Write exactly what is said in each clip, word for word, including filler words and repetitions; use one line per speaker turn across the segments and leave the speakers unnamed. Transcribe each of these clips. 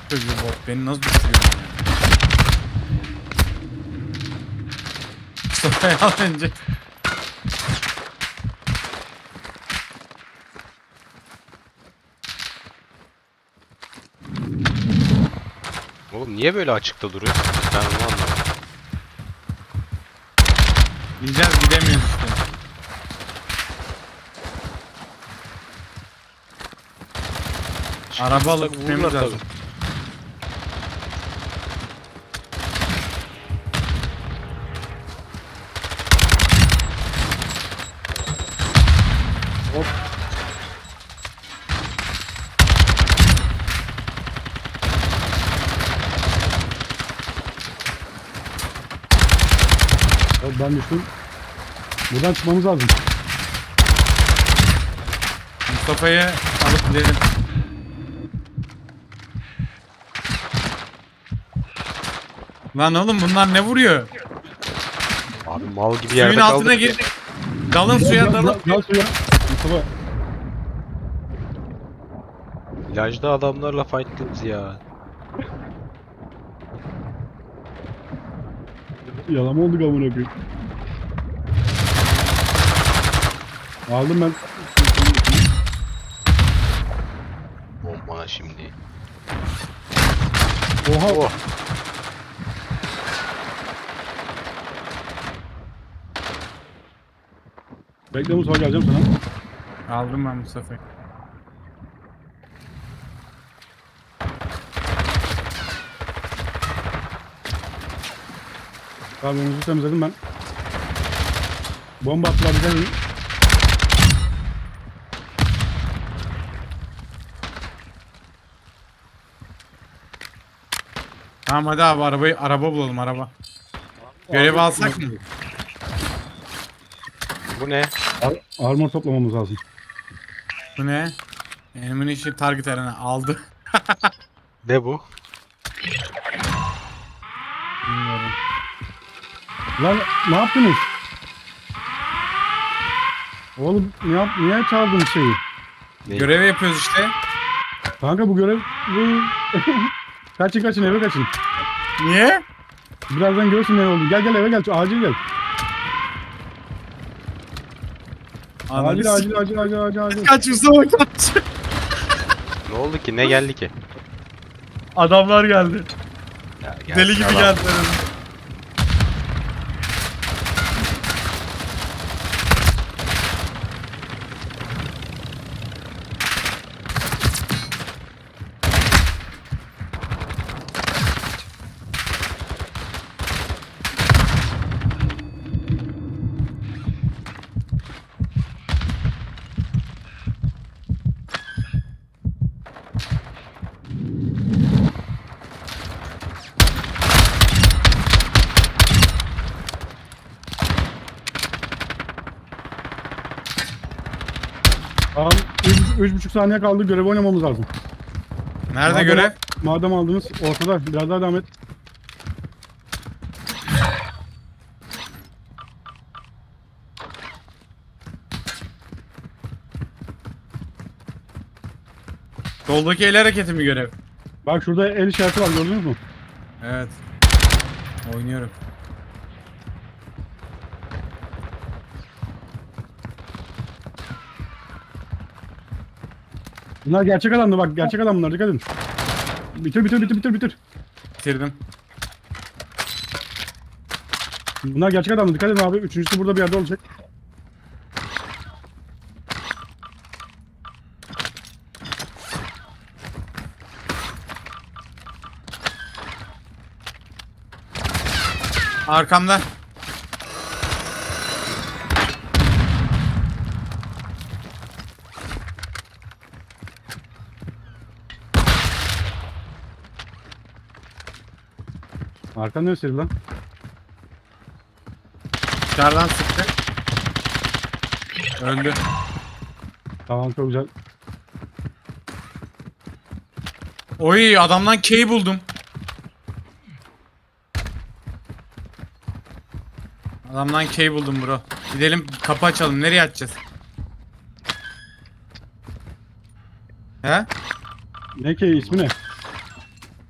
Çocuğu bot beni nasıl düşürüyor ya? Mustafa'yı al önce.
Oğlum niye böyle açıkta duruyor? Ben onu anlamadım.
Gideceğiz gidemiyoruz işte. Araba alıp
Tabii
gitmemiz
vururlar
lazım.
tabii.
Hop. Hop ben düştüm. Buradan çıkmamız lazım.
Mustafa'yı alıp gidelim. Lan oğlum bunlar ne vuruyor?
Abi mal gibi
Suyun
yerde
altına
kaldık.
girdik. Dalın suya
Gel,
dalın.
gel, gel suya. Mustafa.
Plajda adamlarla fightlıyoruz ya.
Yalama olduk amına koyayım. Aldım ben.
Bomba şimdi.
Oha.
Oh.
Bekle Mustafa geleceğim sana.
Aldım ben Mustafa'yı.
Tamam önümüzü temizledim ben. Bomba attılar bize.
Tamam hadi abi arabayı araba bulalım araba. Görevi alsak mı?
Bu ne?
Ar- armor toplamamız lazım.
Bu ne? Ammunition target arena aldı.
Ne bu?
Bilmiyorum.
Lan ne yaptınız? Oğlum ne yap niye çaldın şeyi?
Ne?
Görevi yapıyoruz işte.
Kanka bu görev bu kaçın kaçın eve kaçın.
Niye?
Birazdan görürsün ne oldu. Gel gel eve gel. Acil gel. Acil acil acil acil acil acil.
Kaç Mustafa kaç.
Ne oldu ki? Ne geldi ki?
Adamlar geldi.
Ya,
Deli gibi
adam.
geldiler.
Tamam. Üç buçuk saniye kaldı. Görev oynamamız lazım.
Nerede
Madem-
görev?
Madem aldınız ortada. Biraz daha devam et.
Soldaki el hareketi mi görev?
Bak şurada el işareti var gördünüz mü?
Evet. Oynuyorum.
Bunlar gerçek adamdı bak. Gerçek adam bunlar. Dikkat edin. Bitir bitir bitir bitir bitir.
Bitirdim.
Bunlar gerçek adamdı. Dikkat edin abi. Üçüncüsü burada bir yerde olacak.
Arkamda.
Arkan neresiydi lan?
Dışarıdan sıktı. Öldü.
Tamam çok güzel.
Oy adamdan key buldum. Adamdan key buldum bro. Gidelim kapı açalım. Nereye açacağız? He?
Ne ki ismi ne?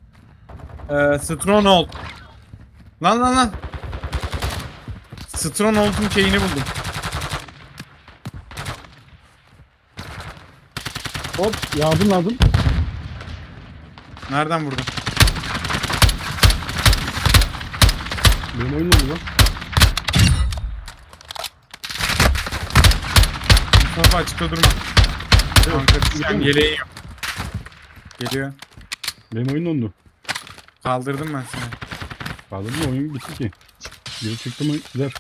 Ee, Stronghold. Lan lan lan. Stronghold'un şeyini buldum.
Hop yardım lazım.
Nereden vurdun?
Benim oyun oldu lan.
Mustafa açıkta durma. Kanka sen yeleğin yok. Geliyor.
Benim oyun oldu.
Kaldırdım ben seni.
Kaldırdım mı oyun bitti ki. Geri çıktı mı gider.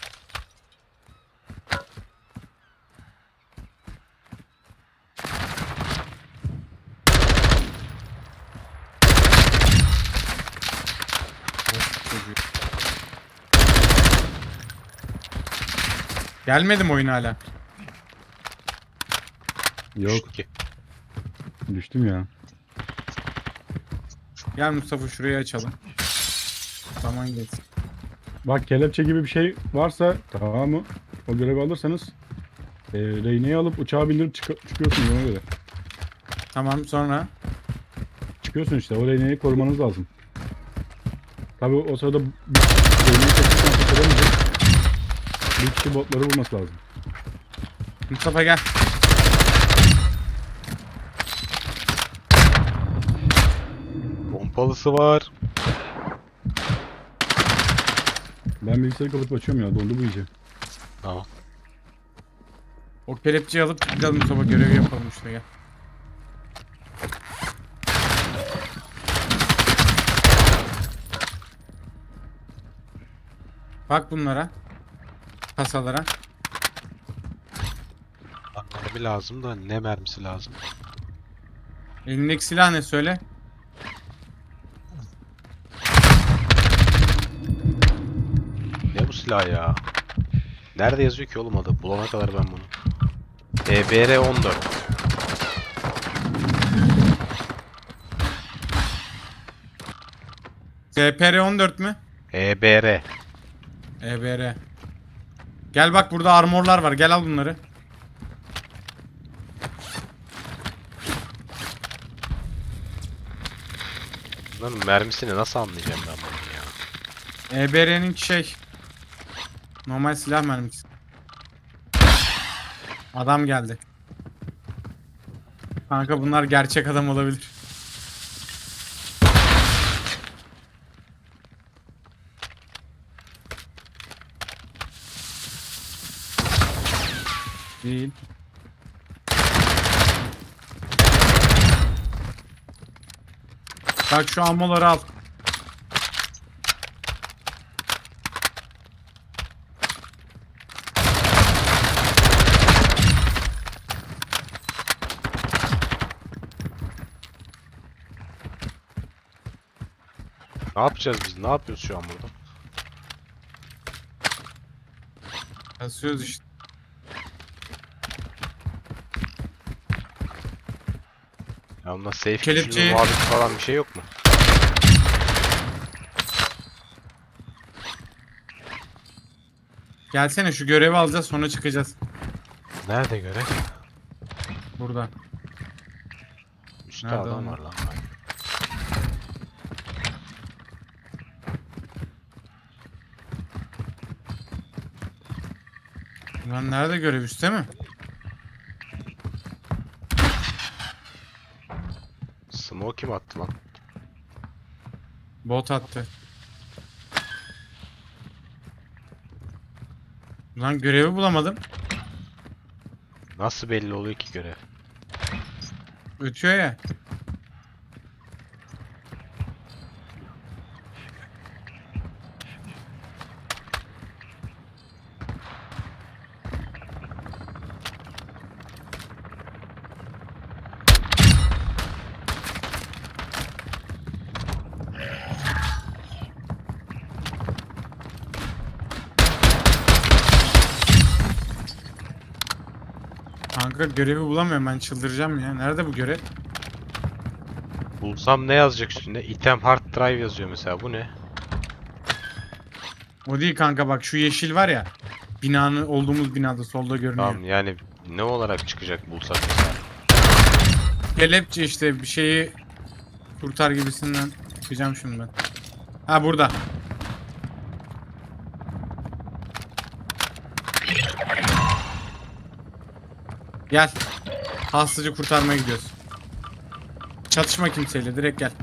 Gelmedim oyun hala.
Yok
Düştü ki.
düştüm ya.
Gel Mustafa şurayı açalım. Zaman geçsin.
Bak kelepçe gibi bir şey varsa tamam mı? O görevi alırsanız e, reyneyi alıp uçağa bindirip çık çıkıyorsunuz ona göre.
Tamam sonra.
Çıkıyorsun işte o reyneyi korumanız lazım. Tabi o sırada bir reyneyi kesinlikle ateş edemeyecek. Bir kişi botları vurması lazım.
Mustafa gel.
Pompalısı var.
Ben bilgisayarı kapatıp açıyorum ya dondu bu iyice.
Tamam.
O kelepçeyi alıp gidelim Mustafa görevi yapalım işte gel. Bak bunlara. Kasalara.
Mermi lazım da ne mermisi lazım?
Elindeki silah ne söyle?
Ne bu silah ya? Nerede yazıyor ki oğlum adı? Bulana kadar ben bunu. E B R on dört.
S P R on dört mü?
E B R.
E B R. Gel bak burada armorlar var. Gel al bunları.
Bunların mermisini nasıl anlayacağım ben bunu ya?
E B R'nin şey. Normal silah mermisi. Adam geldi. Kanka bunlar gerçek adam olabilir. Değil. Bak şu ammoları al.
Ne yapacağız biz? Ne yapıyoruz şu an burada?
Kasıyoruz işte.
Ya onda safe
Kelepçeyi-
düşürme muhabbeti falan bir şey yok mu?
Gelsene şu görevi alacağız sonra çıkacağız.
Nerede göre?
Burada.
Üstte
Nerede
adam
lan?
var lan.
Lan nerede görev üstte mi?
Smoke kim attı lan?
Bot attı. Lan görevi bulamadım.
Nasıl belli oluyor ki görev?
Ötüyor ya. Kanka görevi bulamıyorum ben çıldıracağım ya. Nerede bu görev?
Bulsam ne yazacak üstünde? Item hard drive yazıyor mesela. Bu ne?
O değil kanka bak şu yeşil var ya. Binanın olduğumuz binada solda görünüyor.
Tamam yani ne olarak çıkacak bulsak mesela?
Kelepçe işte bir şeyi kurtar gibisinden çıkacağım şimdi ben. Ha burada. Gel. Hastacı kurtarmaya gidiyoruz. Çatışma kimseyle, direkt gel.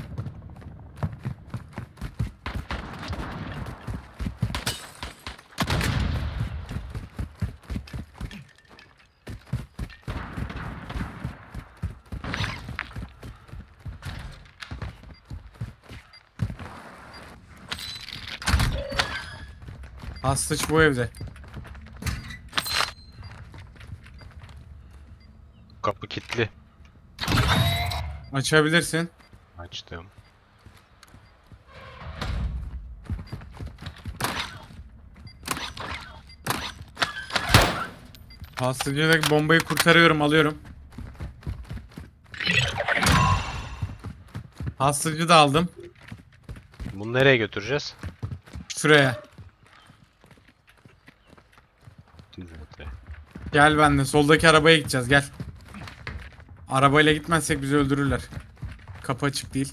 Hastacı bu evde.
Kapı kilitli.
Açabilirsin.
Açtım.
Hastacıdaki bombayı kurtarıyorum, alıyorum. Hastacı da aldım.
Bunu nereye götüreceğiz?
Şuraya. Gel benimle. Soldaki arabaya gideceğiz, gel. Arabayla gitmezsek bizi öldürürler. Kapı açık değil.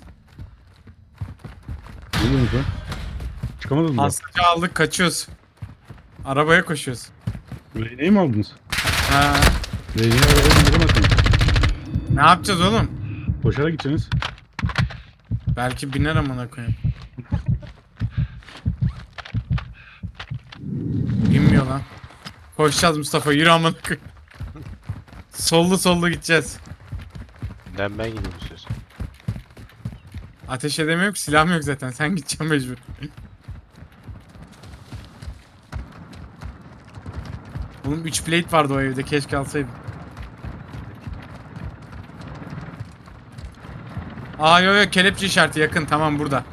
Ne diyorsun lan? Çıkamadınız mı?
Hastacı aldık, kaçıyoruz. Arabaya koşuyoruz.
Reyneyi mi aldınız?
Ha,
Reyneyi arabaya bindiremezsiniz.
ne yapacağız oğlum?
Koşarak gideceksiniz.
Belki biner amına koyayım. Binmiyor lan. Koşacağız Mustafa, yürü amına koyayım. Sollu sollu gideceğiz.
Ben ben gideyim istiyorsan.
Ateş edemiyorum ki, silahım yok zaten. Sen gideceksin mecbur. Oğlum üç plate vardı o evde, keşke alsaydım. Aa yo yo, kelepçe işareti yakın, tamam burada.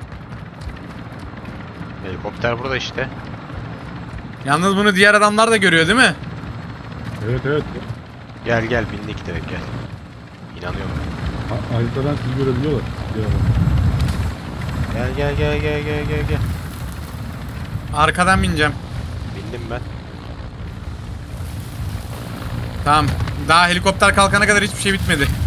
Helikopter burada işte.
Yalnız bunu diğer adamlar da görüyor değil mi?
Evet evet.
Gel gel bindik direkt gel. İnanıyorum.
Ha, haritadan sizi görebiliyorlar. Bir adam.
Gel gel gel gel gel gel gel.
Arkadan bineceğim.
Bindim ben.
Tamam. Daha helikopter kalkana kadar hiçbir şey bitmedi.